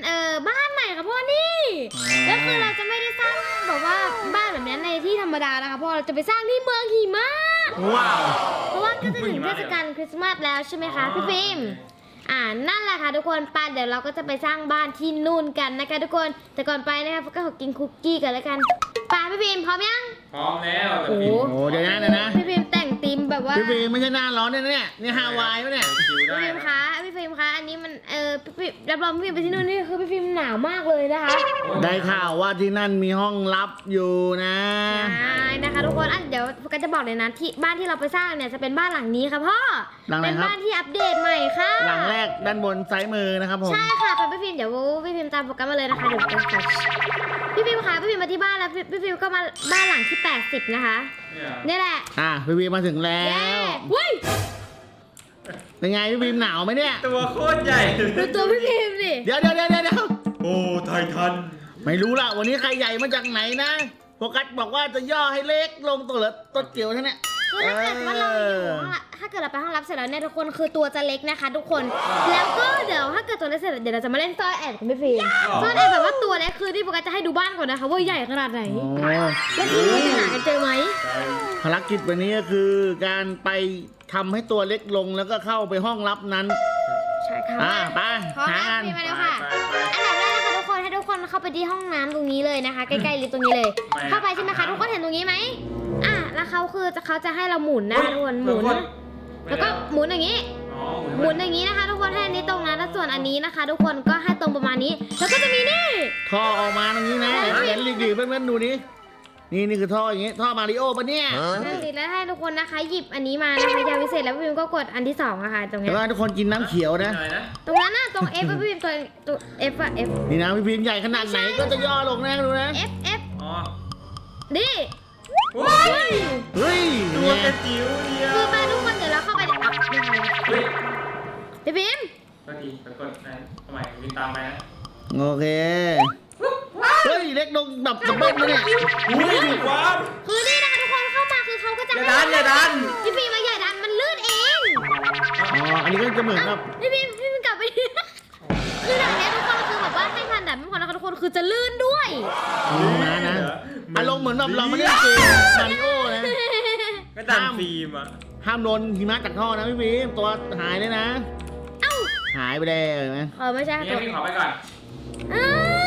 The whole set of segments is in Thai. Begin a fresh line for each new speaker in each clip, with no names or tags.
บ้านใหม่ค่ะพ่อนี่แล้วคือเราจะไม่ได้สร้างแบบว่าบ้านแบบนี้ในที่ธรรมดานะคะพ่อเราจะไปสร้างที่เมืองหิมะ
ว้าว
เพราะว่าก็จะถึงเทศกาลคริสต์มาสแล้วใช่ไหมคะพี่ฟิล์มนั่นแหละค่ะทุกคนไปเดี๋ยวเราก็จะไปสร้างบ้านที่นู่นกันนะคะทุกคนแต่ก่อนไปนะคะก็ขอกินคุกกี้กันแล้วกันไปพี่ฟิล์มพร้อมยัง
พร้อมแล้ว
โอ้โห
โอ้เดี๋ยวนะ
พี่ฟิล์มแต่งธีมแบบว่า
พี่ฟิล์มไม่ใช่หน้าร้อนเนี่ยนี่ฮาวายปะเนี่ย
คิว
พี่
ได้
ฟิล์มคะพี่ฟิล์มคะอันนี้มันพี่รับรองพี่ฟิล์มไปที่นู่นนี่คือพี่ฟิล์มหนาวมากเลยนะคะ
ได้ข่าวว่าที่นั่นมีห้องลับอยู่นะ
ใช่นะคะทุกคนเดี๋ยวก็จะบอกเลยนะที่บ้านที่เราไปสร้างเนี่ยจะเป็นบ้านหลังนี้ค่ะพ่อ
หลังไหน
เป็น
ครับ
บ้านที่อัปเดตใหม่ค่ะ
หลังแรกด้านบนซ้ายมือนะครับผม
ใช่ค่ะไปพี่ฟิล์มเดี๋ยวพี่ฟิล์มตามโปรแกรมมาเลยนะคะเดี๋ยวพี่ฟิล์มคะพี่ฟิล์มมาที่บ้านแล้วพี่ฟิล์มก็มาบ้านหลังที่80นะคะนี่แหละ
พี่ฟิล์มมาถึงแล้
เย้
ว
หุ้ย
เป็นไงพี่ฟิล์มหนาวไหมเนี่ย
ตัวโคตรใหญ่
ดูตัวพี่ฟิล์มดิ
เดี๋ยว
โอ้ไททัน
ไม่รู้ละวันนี้ใครใหญ่มาจากไหนนะโฟกัสบอกว่าจะย่อให้เล็กลงตัวเหลือต้นเกี่ยวเท่านี้
คือถ้าเกิดว่าเราอยู่ห้องละถ้าเกิดเราไปห้องรับเสร็จแล้วเนี่ยทุกคนคือตัวจะเล็กนะคะ ทุกคนแล้วก็เดี๋ยวถ้าเกิดตัวเล็กเสร็จเดี๋ยวเราจะมาเล่นซ่อนแอบกับพี่ฟิล์มซ่อนแอบแบบว่าตัวเล็กคือที่โฟกัสจะให้ดูบ้านก่อนนะคะว่าใหญ่ขนาดไหน
โอ้
แล้วทีนี้จะหากันเจอไหม
ภารกิจวันนี้ก็คือการไปทำให้ตัวเล็กลงแล้วก็เข้าไปห้องลับนั้น
ใช่ค่ะ
ไป
พร้อม
หา
นะ
กัน
พี่มาแล้วค่ะอันดับแรกนะคะทุกคนให้ทุกคนเข้าไปที่ห้องน้ำตรงนี้เลยนะคะใกล้ๆลิฟต์ตรงนี้เลย เข้าไปใช่ไหมคะทุกคนเห็นตรงนี้ไหมแล้วเขาจะให้เราหมุนนะคะทุกคนหมุนแล้วก็หมุนอย่างนี้ หมุนอย่างนี้นะคะ ทุกคนให้อันนี้ตรงนะแล้วส่วนอันนี้นะคะ ทุกคนก็ให้ตรงประมาณนี้แล้วก็จะมีนี่
ท่อออกมาตรงนี้นะเห็นหลีกๆเพื่อนๆดูนี่นี่คือท่ออย่างงี้ท่อมาริโอปะเนี่ย
นั่นดิแล้วให้ทุกคนนะคะหยิบอันนี้มานะคะยาวิเศษแล้วพี่พิมก็กดอันที่2อะค่ะตรง
แล้
เนี้
วย ก็ทุกคนกินน้ำเขียวนะ
ตรงนั้นน่ะตรง F พี่พิมตัว F อะ F
นี่นะพี่พิมพ์ใหญ่ขนาดไหนก็จะย่อลงนะดูนะ
F
อ๋อ
ดิ
ว้าย
เฮ้ย
ตัวกระจิ๋วเดียว
คือไปทุกคนเดี๋ยวเราเข้าไปในอัพนะคะ
เฮ้ย
พี่พิม
ก็ดีไปกดนะทำไมวินตามไปนะ
โอเคเฮ้ยเล็กลงแบบดับเบิ้ลมาเนี่ย
อุ้ยถูกว้าว
คือนี่นะคะทุกคนเข้ามาคือเขาก็จะ
อย่าดัน
พี่พิมมาอย่าดันมันลื่นเอง
อ๋ออันนี้ก็จะเหมือนกับ
พี่พิมกลับไปดิคือแบบนี้ทุกคนคือแบบว่าให้ทันดับไม่พอนะคะทุกคนคือจะลื่นด้วย
นะอารมณ์เหมือนแบบเราไม่ได้เกมมาริโอนะ
ก็ดันฟิล์มอ่ะ
ห้ามโดนหิมะจากท่อนะพี่พิมพ์ตัวหายเลยนะ
เอ้า
หายไปแล้วเห็นไหม
ไม่ใช่
นี่
ตัว
พี่ขอไปก่อน
อ้าว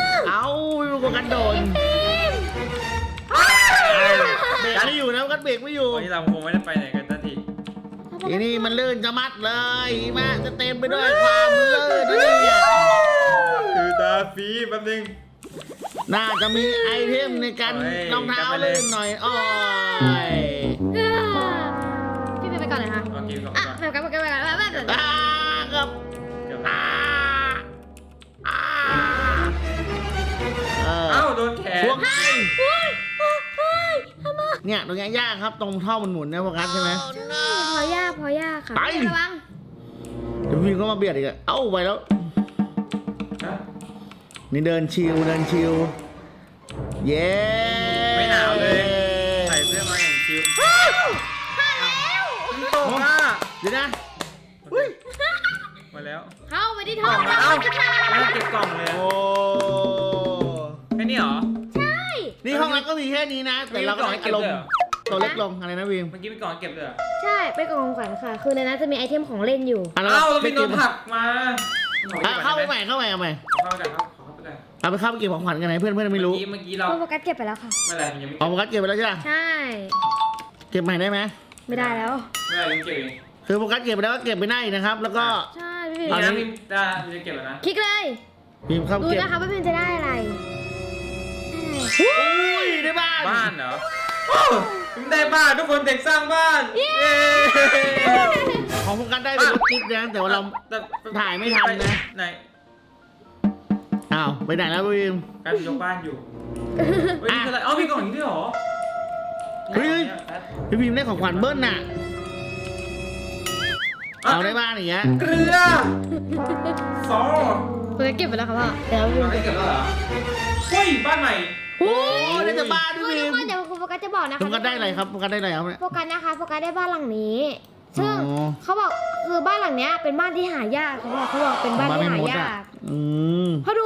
เอ้าไม่รู้กันโดน
ฟิล์ม
เบรกไม่อยู่นะกันเบรกไม่อยู่
วันนี้เราคงไม่ได้ไปไหนกันสักที
ทีนี้มันลื่นจะมัดเลยหิมะจะเต็มไปด้วยความลื่นนี่เนี่ย
คือตาฟิล์มแป๊บนึง
น่าจะมีไอเทมในการ
เฮ้ย
รองเท้าก
ลับไปเลย
ลื่นหน่อยอ้อย
พี่ไปก่อนเลยค่ะ
โอเคขอบ
อ่ะ
คุณ
ไปก่อนแบบ
ครับ
เกือบ
อ่าอ่า
เอ้าโดนแขน
ช่วงไง
เฮ้ยทำไม
เนี่ยตรงนี้ยากครับตรงท่อมันหมุนนะโฟกัสใช่ไหม
พอยากค่ะ
ไป
ระวัง
เดี๋ยวพี่ก็มาเบียดอีกอะเอ้าไปแล้ว
ฮะ
นี่เดินชิวเย้
ไม่หนาวเลย ใส่เสื้อมาอย่างชิว
มาแล้ว
มันตกอ่ะ
เดี๋ยวนะอุ้ย
มาแล้ว
เข้าไปที่
ก
ท้
ล่
อ
อง ง
เรา
มาเอ้า
จะท
แล้วเก็บกล่องเลย
โอ้
แค่นี้เหรอ
ใช่
นี่ห้องเราก็มีแค่นี้นะ แต่เราก็ให้อารมณ์ตัวเล็กลงอะไรนะวิม
เมื่อกี้มีกล่องเก็บเลยเหรอ
ใช่ไปกล่องของขวัญค่ะ คือในนั้นจะมีไอเทมของเล่นอยู่
อ่ะ
เอ้าเรา
ไป
ไปโด
เก็บ
นผลักมา
เข้าไปใหม่เอาใหม่
เข้าไปกันครับเข้าไปกัน
เอาไปเข้าไปเก็บของขวัญกันไหนเพื่อนไม่รู้
เมื่อกี้เรา
โฟกัสเก็บไปแล้วค่ะ
เมื่อไหร่มันยังไม่
เอาโฟกัสเก็บไปแล้วใช่ไหม
ใช่
เก็บใหม่ได้ไหม
ไม่ได้แล้ว
เมื่อไหร่ยังเก็บเอง
คือโฟกัสเก็บไปแล้วก็เก็บไปได้นะครับ แล้วก็
ใช่พี่พิม
นี่นะพี่จะเก็บแล้วนะ
คลิกเลย
พิมพ์เข้า
ดู
เก็บ
นะคะว่าพี่พิมจะได้อะไร
อุ้ยได้บ้าน
บ้านเหรอโอ้ผมได้บ้านทุกคนเด็กสร้างบ้านเย้
ของโฟกัสได้เป็นรถจิ๊บนะแต่ว่าเรา ถ่ายไม่ทันนะ
ไหน
อ้าวไปไหนแล้วพิมพ์
การยกบ้านอยู่เฮ้ยนี่คืออะไรเอ้ามีกล่องอย่างนี้ด้วยเหรอ
เฮ้ยพี่พิมพ์ได้ของขวัญเบิ้ลน่ะเอาได้บ้านอย่างเงี้ย
เกลือซอ
โฟกัสเก็บไปแล้วค่ะพ่อเดี๋ยวพี่พิม
ไม่เก็บแล้วเหรอเฮ้ยบ้านใหม่
โอ้ยได้แต่บ้านพี่
ทุ
พิ
ก
ม
คน
พ์
เดี๋ยวคุณโฟกัสจะบอกนะคะ
โฟกัสได้อะไรครับโฟกัสได้อะไรครับเนี่ย
โฟกัสนะคะโฟกัสได้บ้านหลังนี้ ซึ่ง
อ๋อ
เขาบอกคือบ้านหลังเนี้ยเป็นบ้านที่หายากเขาบอกเป็นบ้านที่หายาก
อืม
เขาดูแล้ว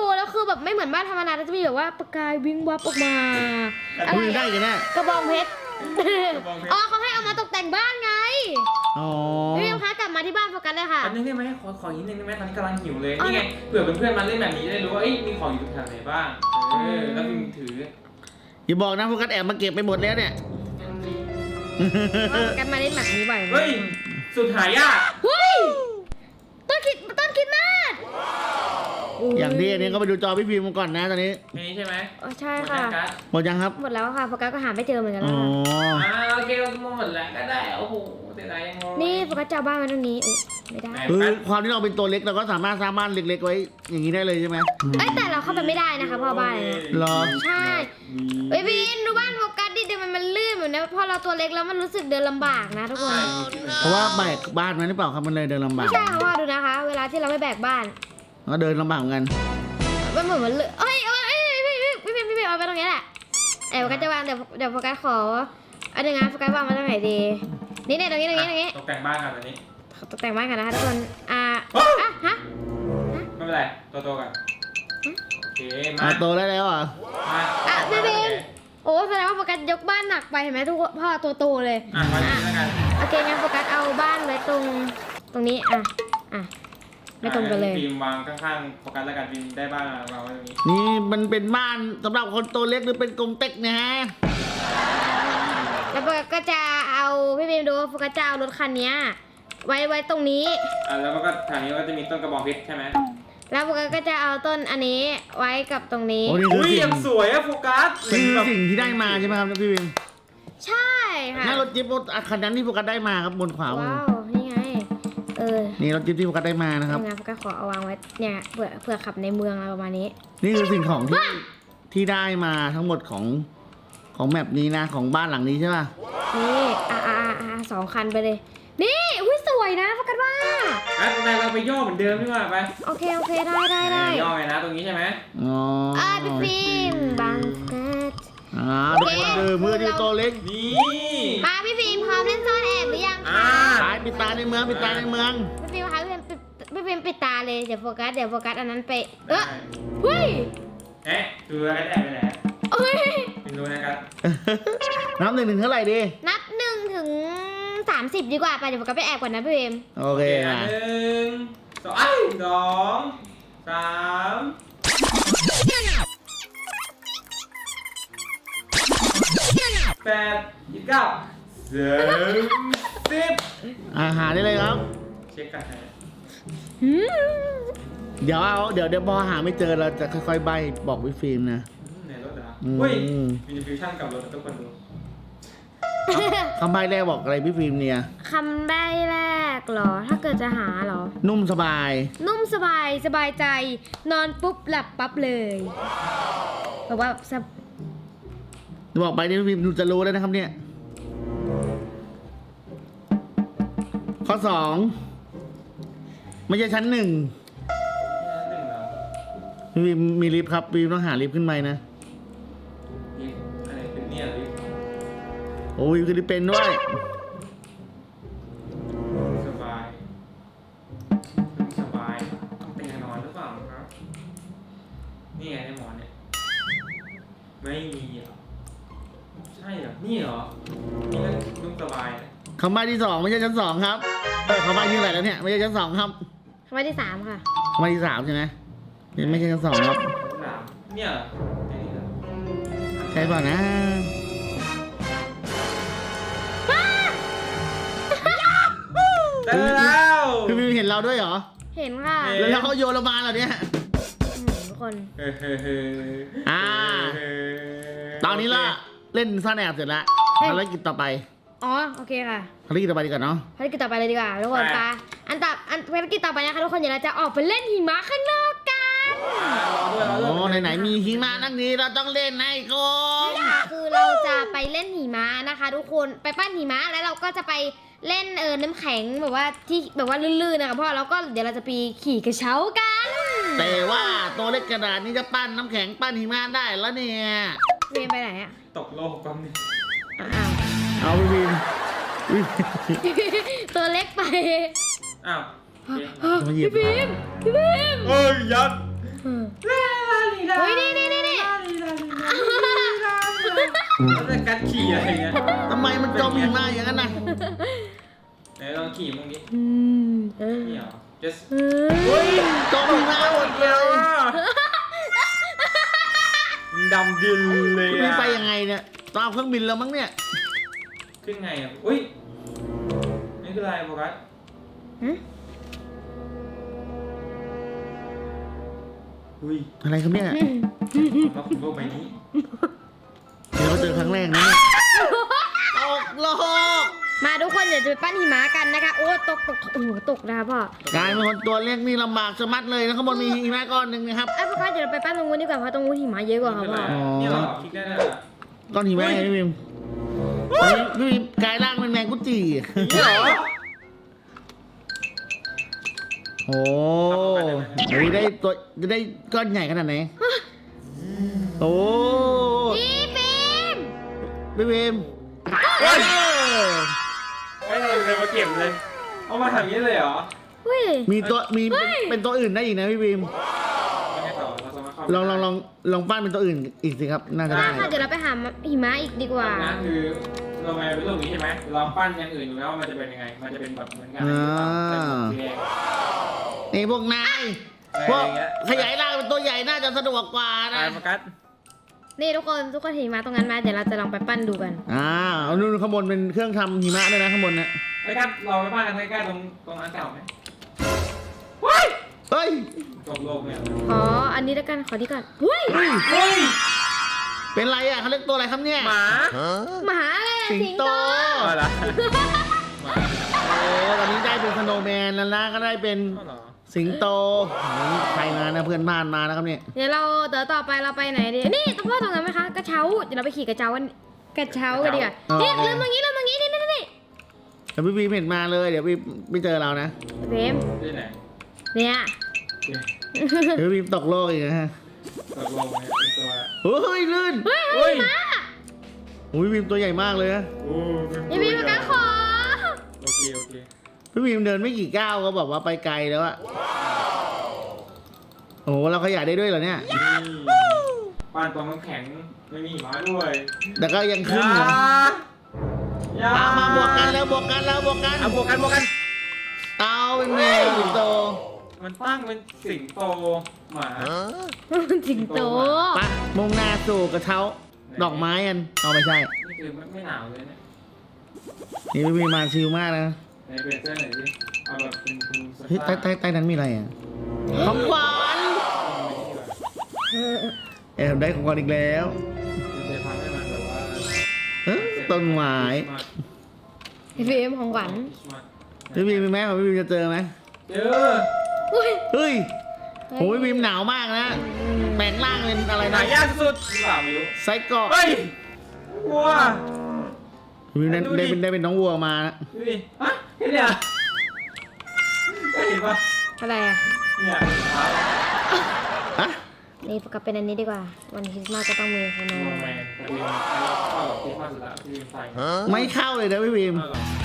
แบบไม่เหมือนบ้านธรรมดาจะมีแบบว่าประกายวิงวับออกมาอะไร
คุยได้กันแน่
กระบองเพชรอ๋อเขาให้เอามาตกแต่งบ้านไง
อ๋อ
พี่พิมคะกลับมาที่บ้านโฟกัสเลยค่ะ
อันนี้ได้ไหมขออีกนิดนึงได้ไหมตอนนี้กำลังหิวเลย
อ๋อ
นี่ไงเผื่อเพื่อนๆมาเล่นแบบนี้จะได้รู้ว่ามีของอยู่แถวไหนบ้างแล้วพิมถือ
อย่าบอกนะโฟกัสแอบมาเก็บไปหมดแล้วเนี่ย
โฟกัสมาเล่นแบบนี้บ่อยไหม
เฮ้ยสุดหายาก
เฮ้ยต้นคิดมาก
อย่างที่อันนี้ก็ไปดูจอพี่พิมพ์ก่อนนะตอนนี้
แค่นี้ใช่ไหม
ใช่ค่ะ
หมดยังครับ
หมดแล้วค่ะโฟกัสก็หาไม่เจอเหมือนกัน
อ๋
แล้ว
อ
ค่ะ
โอเคเราหมดแล้วก็ได้โอ้โหเสียดายยังงง
นี่โฟกัสจะเอาบ้านมาตรงนี้อุ๊ยไม่ได้
คือความที่เราเป็นตัวเล็กเราก็สามารถสร้างบ้านเล็กๆไว้อย่างนี้ได้เลยใช่ไหม
เอ้ยแต่เราเข้าไปไม่ได้นะคะพ่อบ้านเนี่ย
เหรอ
ใช่เฮ้ยพี่ดูบ้านโฟกัสดิเดี๋ยวมันลื่นเหมือนนะพอเราตัวเล็กแล้วมันรู้สึกเดินลำบากนะทุกคน
เพราะว่าแบกบ้านมันหรือเปล่าครับมันเลยเดินลำบา
ไม่
ก
ใช่ค่ะพ่อดูนะคะ เวลาที่เราไม่แบกบ้าน
ก็เดินลำบากเหมือนกัน
มันเหมือนมันเลยเอ้ยพี่เป็นเอาไปตรงนี้แหละโฟกัสจะวางเดี๋ยวโฟกัสขอเอาหนึ่งงานโฟกัสวางมาตรงไหนดีนี่เนี่ยตรงนี้
ตกแต่งบ้านกันตอนนี้
ตกแต่งบ้านกันนะคะทุกคนฮะ
ไม่เป็นไรตัวกันโอเคมา
โตได้แล้วเหรอ
พี่เป็นโอ้แสดงว่าโฟกัสยกบ้านหนักไปเห็นไหมทุกพ่อตัวโตเลย
มาดีแล้วกัน
โอเคงั้นโฟกัสเอาบ้านไว้ตรงนี้ไม่ตรงกันเลย
ฟิล์มวางข้างๆโฟกัสแล้วกันฟิล์มได้บ้านวางไว้ตรงนี้
นี่มันเป็นบ้านสำหรับคนตัวเล็กหรือเป็นกรงเต็กนะฮะ
แล้วโฟกัสก็จะเอาพี่เบมดูโฟกัสจะเอารถคันนี้ไว้ตรงนี้
แล้วก็แถวนี้ก็จะมีต้นกระบองเพชรใช่ไหม
แล้วโฟกัสก็จะเอาต้นอันนี้ไว้กับตรงนี้
โอ้นี่คือ
อุ้ย
สิ่
ยัง งสวยอะโฟกัส
นี่คือสิ่งที่ได้มาใช่ไหมครับพี่พิมพ์
ใช่ค่ะ
นั่นรถจิ๊บคันนั้นที่โฟกัสได้มาครับบนขวามือ
ว้าวนี่ไง
นี่รถจิ๊บที่โฟกัสได้มานะครับ
งานโฟกัสขอเอาวางไว้เนี่ยเผื่อขับในเมืองอะไรประมาณนี้
นี่คือสิ่งของที่ได้มาทั้งหมดของแมปนี้นะของบ้านหลังนี้ใช่ป่ะ
นี่2 คันไปเลย นี่อุ้ยสวยนะโฟกัสว่า
เราไปย่อเหมือนเดิมดีกว่าไป
โอเคได้
ย่อไงนะตรงนี้ใช่ไหม
อ๋อ
พี่ฟิล์มบังเกิด
ทุกคนคือมือที่ตัวเล็ก
นี่
มาพี่ฟิล์มพร้อมเล่นซ่อนแอบหรือยังคะ
ตายปิดตาในเมืองปิดตาในเมือง
พี่ฟิล์มคะพี่ฟิล์มปิดตาเลยเดี๋ยวโฟกัสอันนั้นไปเฮ้ย
คืออะไรแอบไปไหน
เฮ้ย
เป็นรู้นะครับ
นับ1 ถึงเท่าไหร่ดี
นับ1 ถึง 30ดีกว่าไปเดี๋ยวโฟกัสไปแอบก่อนนะพี่ฟิล์ม
โอเคอ่ะ
1 2 3 8 29 30
หาได้เลยครับ
เช็คกันนะ
เดี๋ยวพอหาไม่เจอเราจะค่อยๆใบบอกพี่ฟิล์มนะ
ในรถเหรอ
อืม
เฮ้ยมีฟิวชั่นกับรถทุกคนดู
คำใบแรกบอกอะไรพี่ฟิล์มเนี่ย
คำใบ้แรกเหรอ ถ้าเกิดจะหาเหรอ
นุ่มสบาย
นุ่มสบายใจ นอนปุ๊บหลับปั๊บเลยแบบว่าสบ
บอกไปนี่พี่ฟิล์มจะรู้แล้วนะครับเนี่ย ข้อ 2 ไม่ใช่ชั้น 1
1เหรอ
พี่ฟิล์มมีลิฟต์ครับพี่ฟิล์มต้องหาลิฟต์ขึ้นไปนะ
นี่อะไรเป็นเนี่ยลิฟต์
โอ้ยคือลิฟต์เป็นด้วย
สบายต้องเป็นนอนหรือเปล่าครับนี่ไงในหมอนเนี่ยไม่มีเหรอใช่เหรอนี่เหรอนี่ก็นุ่มสบายนะ
คำใบที่ 2 ไม่ใช่ชั้น 2 ครับคำใบที่เท่าไหร่แล้วเนี่ยไม่ใช่ชั้น 2 ครับ
คำใบ้ที่ 3 ค่ะ
คำใบที่ 3 ใช่ไหมไม่ใช่ชั้น 2 ครับ
หนาวเนี่ยเหรอไอ้นี่เหรอ
ใช่เปล่านะ
ได้แล้ว
พี่ฟิล์มเห็นเราด้วยเหรอ
เห็นค่ะ
แล้วเขาโยนเรามาเหรอเนี่ย
ทุกคน
ตอนนี้ละเล่นซ่อนแอบเสร็จแล้วภารกิจต่อไป
อ๋อโอเคค่ะ
ภารกิจต่อไปดีกว่าเนาะ
ภารกิจต่อไปเลยดีกว่าทุกคนไปภารกิจต่อไปนะคะทุกคนเดี๋ยวเราจะออกไปเล่นหิมะข้างนอกกัน
โอ้ไหนๆมีหิมะนั่งนี้เราต้องเล่นให้ครบ
คือเราจะไปเล่นหิมะนะคะ ทุกคนไปปั้นหิมะแล้วเราก็จะไปเล่นน้ำแข็งแบบว่าที่แบบว่าลื่นๆนะคะพ่อแล้วก็เดี๋ยวเราจะไปขี่กระเช้ากัน
แต่ว่าตัวเล็กกระดาษนี้จะปั้นน้ำแข็งปั้นหิมะได้แล้วเนี่ย
เรียนไปไหนอะ
ตกโลกกันนี่
อ้าว
เอาพี่ฟิล์ม
ตัวเล็กไป
อ้าว
มาหยิบ
พี่พิม
เอ้ยยัด
อืม
ลาลีแล้วแต่การขี่อะไรเนี่ย
ทำไมมันจมหิมะอย่างนั้นนะ
ไหนลองขี่มึงดิ
เออ
นี่เหรอ just
เฮ้ยจมหิมะหมดเลย
ดำดินเลย
พี่
อะ
ไปยังไงเนี่ยต้องเอาเครื่องบินแล้วมั้งเนี่ย
ขึ้นไงอ่ะอุ้ยนี่คืออะไรโฟกัส
ฮะ
อุ้ย
อะไรครับเนี่ย
มาขุดโลกใบนี้
เดี๋ยวเราเจอครั้งแรกนะเนี่ยตกโลก
มาทุกคนเดี๋ยวจะไปปั้นหิมะกันนะคะโอ้ตกโอ้โหตกนะคะพ่อก
ลายเป็นคนตัวเล็กนี่ลำบากสะมัดเลยนะข้างบนมีหิมะก้อนหนึ่งนะครับ
ไอ้พ่อคะเดี๋ยวเราไปปั้นตรงนู้นดีกว่าเพราะตรงนู้นหิมะเยอะกว่าค่ะ
นี่คือ
พ่
อะ
อ
ไรนี่เหรอคลิกได้เลยอะ
ก้อนหิมะไงพี่บิมอันนี้พี่บิมกลายร่างเป็นแมงกุจิ
นี่เหรอ
โอ้เฮ้ยได้ตัวจะได้ก้อนใหญ่ขนาดไหนโอ้
พี่ฟิล์ม
พี่บิม
ไม่เลยมาเก็บเลย เอามาทำอย่างนี้เลยเหรอ
เฮ้ย
มีตัวมี
เฮ้ย
เป็นตัวอื่นได้อีกนะพี่บิม
ไม่ให้ต่อเราสามารถเข้า
ลองปั้นเป็นตัวอื่นอีกสิครับน่าจะ
ได้
ได้
ค่ะเดี๋ยวเราไปหาหิมะอีกดีกว่า
นะคือเรามาเป็นรูปนี้ใช่ไหมลองปั้นอย่างอื่นดูแล้วว่ามันจะเป็นยังไง มันจะเป็นแบบเหมือนกันใส่หมวกสีแดง
นี่พวกนายพวกขยายร่างเป็นตัวใหญ่น่าจะสะดวกกว่านะ
โฟกัส
นี่ทุกคนเห็นหิมะตรงนั้นไหมเดี๋ยวเราจะลองไปปั้นดูกัน
เอานู่นข้างบนเป็นเครื่องทำหิมะด้วยนะข้างบนนะ
โฟกัสเราไปปั้นกันใกล้ๆตรงอันเก่าไหม
เฮ้ย
จบโลกเนี่ย
ขออันนี้แล้วกันขอที่ก่อนเฮ้ย
เฮ้ย
เป็นไรอ่ะเขาเรียกตัวอะไรครับเนี่ย
หมา
หมาอะไรอะ
สิงโต
อะไรล่ะหมา
โอ้ตอนนี้ได้เป็นสโนว์แมนแล้วนะก็ได้เป็น
ก็เหรอ
สิงโตใครมานะเพื่อนบ้านมานะครับเนี่ย
เดี๋ยวต่อไปเราไปไหนดีนี่ตรงพ่อตรงนั้นไหมคะกระเช้าเดี๋ยวเราไปขี่กระเช้ากันดีกว่านี่ลืมตรงนี้นี่
เดี๋ยวพี่บีมเห็นมาเลยเดี๋ยวพี่ไม่เจอเรานะ
เฟรม
ที่ไหน
เนี่ย
เดี๋ยวพี่บีมตกโลกอีกนะฮะ
ตกลงเนี่ยเป็นตัว
เฮ้ยลื่น
เฮ้ย
เฮ้ย
โอ้ยพี่บีมตัวใหญ่มากเลยนะ
โอ้
อย่ามีประกันขอ
โอเค
พี่บีมเดินไม่กี่ก้าวก็บอกว่าไปไกลแล้วอะโอ้โหเราขยายได้ด้วยเหรอเนี่ย
นี่ปั้นตัวน้ำแข็งไม่มีหมาด้วย
แต่ก็ยังขึ้นอยู่
อย่า
เอามาบวกกันแล้วบวกกันแล้วบวกกัน
เอาบวกกัน
เอาเป็นแมวสิงโต
มันตั้งเป็นสิงโตหมา
สิงโต
ไปมุ่งหน้าสู่กระเช้าดอกไม้กันเอาไม่ใช่
นี่คือไม่หนาวเลยเนี่ย
นี่พี่บีมมาชิลมากนะ
ไหนเปลี่ยนเสื้อหน่อยสิเอาแบบเป็นคุณส
เฮ้ย
ตาร์
ใต้นั้นมีอะไรอ่ะของขวัญได้ของขวัญอีกแล้ว
จะทำให้มันแบบว่า
ต้นไม้
เฟรมของขวัญ
พี่บีมมีไหมของพี่บีมจะเจอไหม
เจอ
อุ้ย
เฮ้ยโอ้ยพี่บีมหนาวมากนะแปลงร่างเป็นอะไร
หา
นะ
ยากสุดหรือเปล่าไม่รู้
ไซเกาะ
เฮ้ยวัว
พี่บีมได้เป็นน้องวัวมานะ
ดูดิฮะเห็นเนี่ยเห็นปะ
อะไรอ่ะ
เนี่ย
ฮะ
นี่กลับเป็นอันนี้ดีกว่าวันคริสต์มาสก็ต้องมีขน
โอ้
ม
แมนแต่วินเข้ากับที่มาสุดละที่วินใส่
ไม่เข้าเลยนะพี่บีม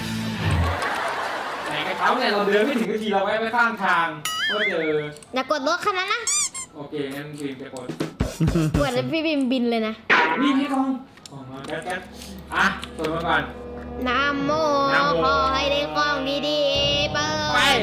ไหนกระเช้าเนี่ยเราเดินไม่ถึงทีเราแวะไปข้างทางก็เจอ
อย่ากดรถคันนั้นนะ
โอเคงั้นวินไปกด
เหมือนพี่บิมบินเลยนะ
นี่พี่กองของมาแก๊สอ่ะเปิดมาก่อน
นะโม
นะโม
ขอให้ได้กล้องดีๆเปิ
ไป
ด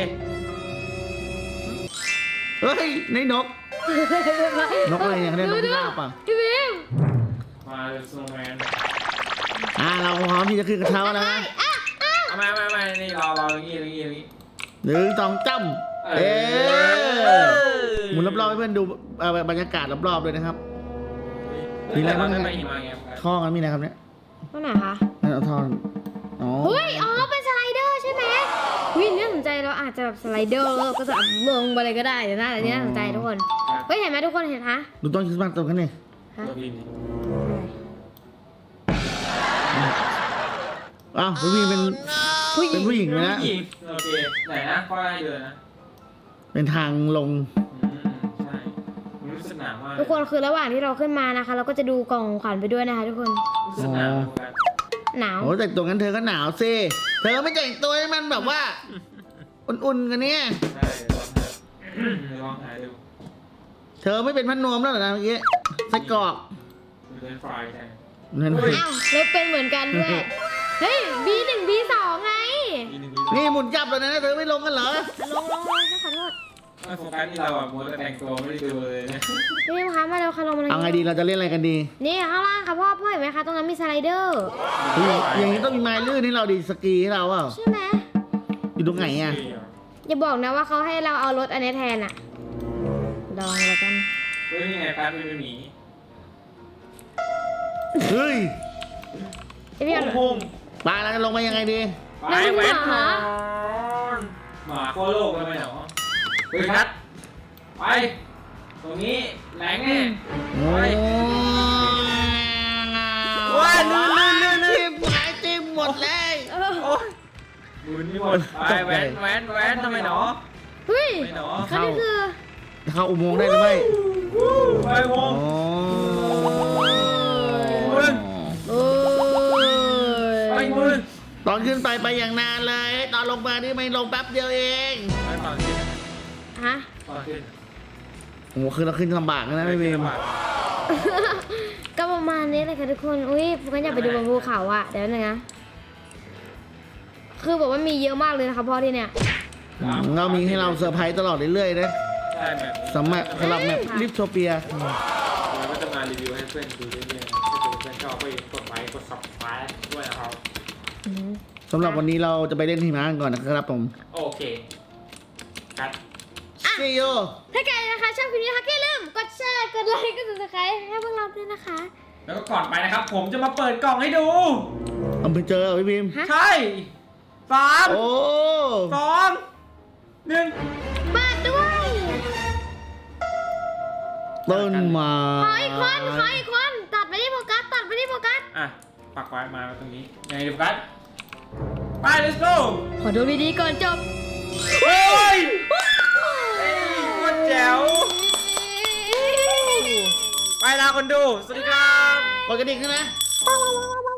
เฮ้ยในนกนกอะไรเนี่ยเขาเรียกนกพิราบป่ะ
พี่บิม
มาเลยสโนว์แมน
เราพร้อมที่จะขึ้นกระเช้าแล้วนะ
เอามานี่รออย่างงี้
หนึ่งสองจ้ำหมุนรอบๆให้เพื่อนดูบรรยากาศรอบๆด้วยนะครับ
นี่แหละเราได้ไปหิมะไง
ท่อกันมีอะไรครับเนี่ย
ว่าไหนคะ
เอาท่ออ๋อ
เฮ้ยอ๋อเป็นสไลเดอร์ใช่ไหมวิน่าสนใจเราอาจจะแบบสไลเดอร์แล้วก็จะลงไปเลยก็ได้เดี๋ยวน่าจะน่าสนใจทุกคนเฮ้ยเห็นไหมทุกคนเห็นฮะ
ดูต้นคริสต์มาสตรงกันนี่
ฮะ
ตัวบิน
อ้าวพี่บีเป็นผู้หญิงไหมนะ
ผู้หญิงโอเคไหนนะค่อยเดินนะ
เป็นทางลง
ใช่รู้สึกหนาวมาก
ทุกคนคือระหว่างที่เราขึ้นมานะคะ เราก็จะดูกล่องของขวัญไปด้วยนะคะทุกคน
รู้สึกหนาว
หนาว
โอ้แต่งตัวงั้นเธอก็หนาวสิเธอไม่แต่งตัวให้มันแบบว่า อุ่นๆกันเนี่ย
ใช่ลองถ่ายดู
เธอไม่เป็นพันนวมแล้วเหรอนะเมื่อกี้ไส้กรอก
เป็นไฟแทน
นั่น
เฮ้ย
อ้าวแล้วเป็นเหมือนกันด้วย เฮ้ย B1 B2 ไง
นี่หมุนจับแล้วนะเธอไม่ลงกันเหรอ
ลงฉันขอโทษ
ไม่โฟกัสที่เราอ่ะมัวแต่แต่งตัวไม่ได้ดูเลยนะ
พี่คะมาเร็วค่ะลงมาเลย
เอาไงดีเราจะเล่นอะไรกันดี
นี่ข้างล่างค่ะพ่อเห็นไหมคะตรงนั้นมีสไลเดอร์
เฮ้ยอย่างนี้ต้องมีไม้ลื่นให้เราดีสกีให้เราเปล่า
ใช่ไหม
อยู่ตรงไหนอ่ะ
อย่าบอกนะว่าเขาให้เราเอารถอันนี้แทนอะลองแล้วกัน
เฮ้ยนี่ไงการเป็นหมี
เฮ้ย
พี่เอา
โค้ง
ปลาเราจะลงมายังไงดี
ไปแว้นก่อนหมาโคโลกเลยไหมเนาะเฮ้ยคัดไปตรงนี้แหลงแน่
โอ้ย
ว้ายลื่น
จิ้มหายจิ้มหมดเลย
โอ้ยมือนี่หมดไปแว้นทำไมเนาะ
เฮ้ย
ไม่เนาะ
เขานี่คือ
เข้าอุโมงค์ได้หรือไม่
ไปวง
โอ้
มึง
โอ้ย
ไปมือ
ตอนขึ้นไปอย่างนานเลย ตอนลงมานี่ไม่ลงแป๊บเดียวเอง
ไปตอนขึ้น
ฮะ
ตอนขึ้น
โอ้โหคือเราขึ้นลำบากนะพี่เบม
ก็ประมาณนี้เลยค่ะทุกคน อุ้ยพวกกันอยากไปดูบนภูเขาอะเดี๋ยวนึงนะ คือบอกว่ามีเยอะมากเลยนะคะพ่อที่เนี่ย
เรามีให้เราเซอร์ไพรส์ตลอดเรื่อยๆนะ
ใช่แบบนี้
สำหรับแบบลิฟโทเปีย
เราก็จะมารีวิวให้เพื่อนดูเรื่อยๆถ้าเพื่อนชอบก็กดไลค์กด subscribe ด้วยนะครับ
สำหรับวันนี้เราจะไปเล่นหิมะกันก่อนนะครับผม
โอเคคัด
See you
ถ้าใครนะคะชอบคลิปนี้นะคะอย่าลืมกดแชร์ กดไลค์ กด subscribe ให้พวกเราด้วยนะคะ
แล้วก็ก่อนไปนะครับ ผมจะมาเปิดกล่องให้ดู
เอาไปเจอพี่พิม
ฮะ
ใช่สาม
โอ้
สองหนึ่ง
เปิดด้วย
ต้นไม้
ขออีกคนตัดไปที่โฟกัส
อ่ะปักไว้มาตรงนี้ยังไงดีคัดไป let's go
ขอดูดีๆก่อนจบ
เฮ้ยเฮ้ยโคตรแจ๋วไปลาคนดู สวัสดีครับ
กดกระดิ่งขึ้นนะ
ว้าว